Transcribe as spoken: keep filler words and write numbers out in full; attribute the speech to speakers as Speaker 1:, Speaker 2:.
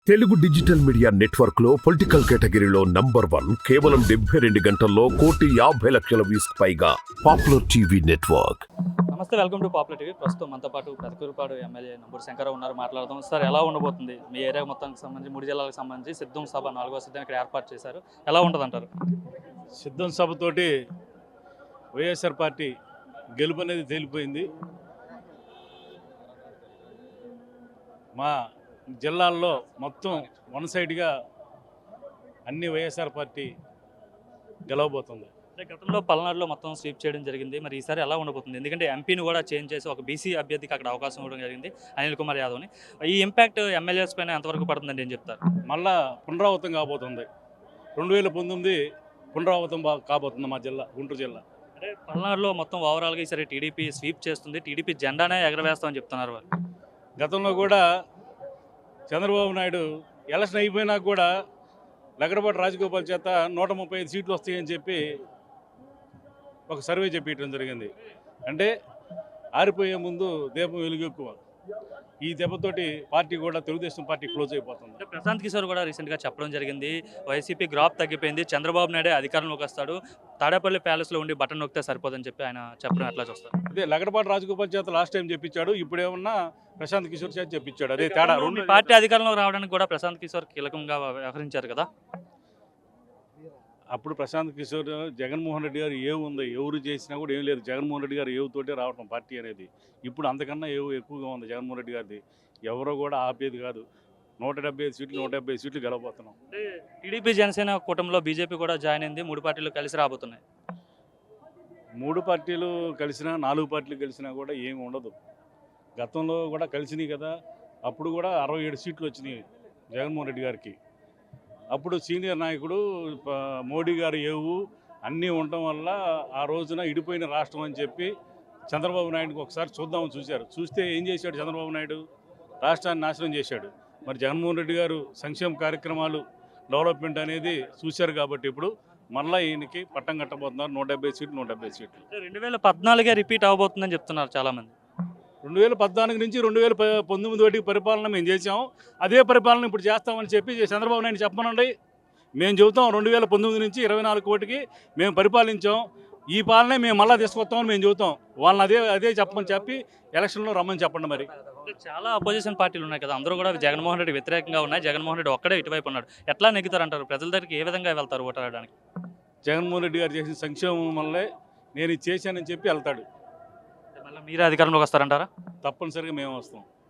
Speaker 1: Telugu digital media network లో political కేటగిరీలో number one కేవలం డెబ్బై రెండు గంటల్లో కోటి యాభై లక్షల వ్యూస్ పైగా పాపులర్ టీవీ నెట్వర్క్.
Speaker 2: నమస్తే, వెల్కమ్ టు పాపులర్ టీవీ. ప్రస్తుతం మనతో పాటు పెదకూరుపాడు ఎమ్మెల్యే నంబూరు శంకరరావు ఉన్నారు. మాట్లాడదాం. సార్, ఎలా ఉండబోతుంది మీ ఏరియా మొత్తానికి సంబంధించి, మూడు జిల్లాలకు సంబంధించి సిద్ధం సభ నాలుగో సిద్ధం ఇక్కడ ఏర్పాటు చేశారు, ఎలా ఉంటుంది అంటారు?
Speaker 3: సిద్ధం సభతోటి వైఎస్ఆర్ పార్టీ గెలుపు అనేది తేలిపోయింది. మా జిల్లాల్లో మొత్తం వన్ సైడ్గా అన్ని వైఎస్ఆర్ పార్టీ గెలవబోతుంది.
Speaker 2: అంటే గతంలో పల్నాడులో మొత్తం స్వీప్ చేయడం జరిగింది, మరి ఈసారి ఎలా ఉండబోతుంది? ఎందుకంటే ఎంపీని కూడా చేంజ్ చేసి ఒక బీసీ అభ్యర్థికి అక్కడ అవకాశం ఇవ్వడం జరిగింది, అనిల్ కుమార్ యాదవ్ని. ఈ ఇంపాక్ట్ ఎమ్మెల్యేస్ పైన ఎంతవరకు పడుతుందని ఏం చెప్తారు?
Speaker 3: మళ్ళా పునరావృతం కాబోతుంది. రెండు వేల పంతొమ్మిది పునరావృతం కాబోతుంది మా జిల్లా, గుంటూరు జిల్లా.
Speaker 2: అంటే పల్నాడులో మొత్తం ఓవరాల్గా ఈసారి టీడీపీ స్వీప్ చేస్తుంది, టీడీపీ జెండానే ఎగరవేస్తామని చెప్తున్నారు వాళ్ళు.
Speaker 3: గతంలో కూడా చంద్రబాబు నాయుడు ఎలక్షన్ అయిపోయినా కూడా లగడపాటి రాజగోపాల్ చేత నూట ముప్పై ఐదు సీట్లు వస్తాయని చెప్పి ఒక సర్వే చెప్పడం జరిగింది. అంటే ఆరిపోయే ముందు దీపం వెలుగు ఎక్కువ. ఈ దెబ్బతోటి పార్టీ కూడా తెలుగుదేశం పార్టీ క్లోజ్ అయిపోతుంది.
Speaker 2: అంటే ప్రశాంత్ కిషోర్ కూడా రీసెంట్గా చెప్పడం జరిగింది, వైసీపీ గ్రాఫ్ తగ్గిపోయింది, చంద్రబాబు నాయుడే అధికారంలోకి వస్తాడు, తాడేపల్లి ప్యాలెస్లో ఉండి బటన్ నొక్కితే సరిపోదని చెప్పి ఆయన చెప్పడం ఎట్లా చూస్తారు?
Speaker 3: అదే లగడపాటి రాజగోపాల్ చేత లాస్ట్ టైం చెప్పించాడు, ఇప్పుడు ఏమన్నా ప్రశాంత్ కిషోర్ చేత చెప్పించాడు. అదే తేడా.
Speaker 2: రెండు పార్టీ అధికారంలోకి రావడానికి కూడా ప్రశాంత్ కిషోర్ కీలకంగా వ్యవహరించారు కదా.
Speaker 3: అప్పుడు ప్రశాంత్ కిషోర్ జగన్మోహన్ రెడ్డి గారు ఏవు ఉంది, ఎవరు చేసినా కూడా ఏం లేదు, జగన్మోహన్ రెడ్డి గారు ఏవుతోటే రావటం పార్టీ అనేది. ఇప్పుడు అంతకన్నా ఏవు ఎక్కువగా ఉంది జగన్మోహన్ రెడ్డి గారిది. ఎవరో కూడా ఆపేది కాదు. నూట డెబ్బై ఐదు సీట్లు నూట డెబ్బై ఐదు సీట్లు గెలవబోతున్నాం.
Speaker 2: అంటే టీడీపీ జనసేన కూటమిలో బీజేపీ కూడా జాయిన్ అయింది, మూడు పార్టీలు కలిసి రాబోతున్నాయి.
Speaker 3: మూడు పార్టీలు కలిసినా నాలుగు పార్టీలు కలిసినా కూడా ఏమి ఉండదు. గతంలో కూడా కలిసినాయి కదా, అప్పుడు కూడా అరవై ఏడు సీట్లు వచ్చినాయి జగన్మోహన్ రెడ్డి గారికి. అప్పుడు సీనియర్ నాయకుడు మోడీ గారు ఏవు అన్నీ ఉండటం వల్ల ఆ రోజున ఇడిపోయిన రాష్ట్రం అని చెప్పి చంద్రబాబు నాయుడుకి ఒకసారి చూద్దామని చూశారు. చూస్తే ఏం చేశాడు చంద్రబాబు నాయుడు? రాష్ట్రాన్ని నాశనం చేశాడు. మరి జగన్మోహన్ రెడ్డి గారు సంక్షేమ కార్యక్రమాలు డెవలప్మెంట్ అనేది చూశారు కాబట్టి ఇప్పుడు మళ్ళీ ఈయనకి పట్టం కట్టబోతున్నారు. నూట డెబ్బై సీట్లు నూట డెబ్బై సీట్లు
Speaker 2: రెండు వేల పద్నాలుగే రిపీట్ అవబోతుందని చెప్తున్నారు చాలామంది.
Speaker 3: రెండు వేల పద్నాలుగు నుంచి రెండు వేల పంతొమ్మిది వరకు పరిపాలన మేము చేసాం, అదే పరిపాలన ఇప్పుడు చేస్తామని చెప్పి చంద్రబాబు నాయుడు చెప్పమనండి. మేము చెబుతాం రెండు వేల పంతొమ్మిది నుంచి ఇరవై నాలుగు కోటికి మేము పరిపాలించాం, ఈ పాలనే మేము మళ్ళీ తీసుకొస్తామని మేము చెబుతాం. వాళ్ళని అదే అదే చెప్పమని చెప్పి ఎలక్షన్లో రమ్మని చెప్పండి. మరి
Speaker 2: చాలా అపోజిషన్ పార్టీలు ఉన్నాయి కదా, అందరూ కూడా జగన్మోహన్ రెడ్డి వ్యతిరేకంగా ఉన్నాయి, జగన్మోహన్ రెడ్డి ఒక్కడే ఇటువైపు ఉన్నాడు. ఎట్లా నెగ్గుతారంటారు? ప్రజల దగ్గరికి ఏ విధంగా వెళ్తారు ఓటాడడానికి?
Speaker 3: జగన్మోహన్ రెడ్డి గారు చేసిన సంక్షేమం వల్లే నేను ఇది చేశానని చెప్పి వెళ్తాడు.
Speaker 2: మళ్ళీ మీరే అధికారంలోకి వస్తారంటారా?
Speaker 3: తప్పనిసరిగా మేము వస్తాం.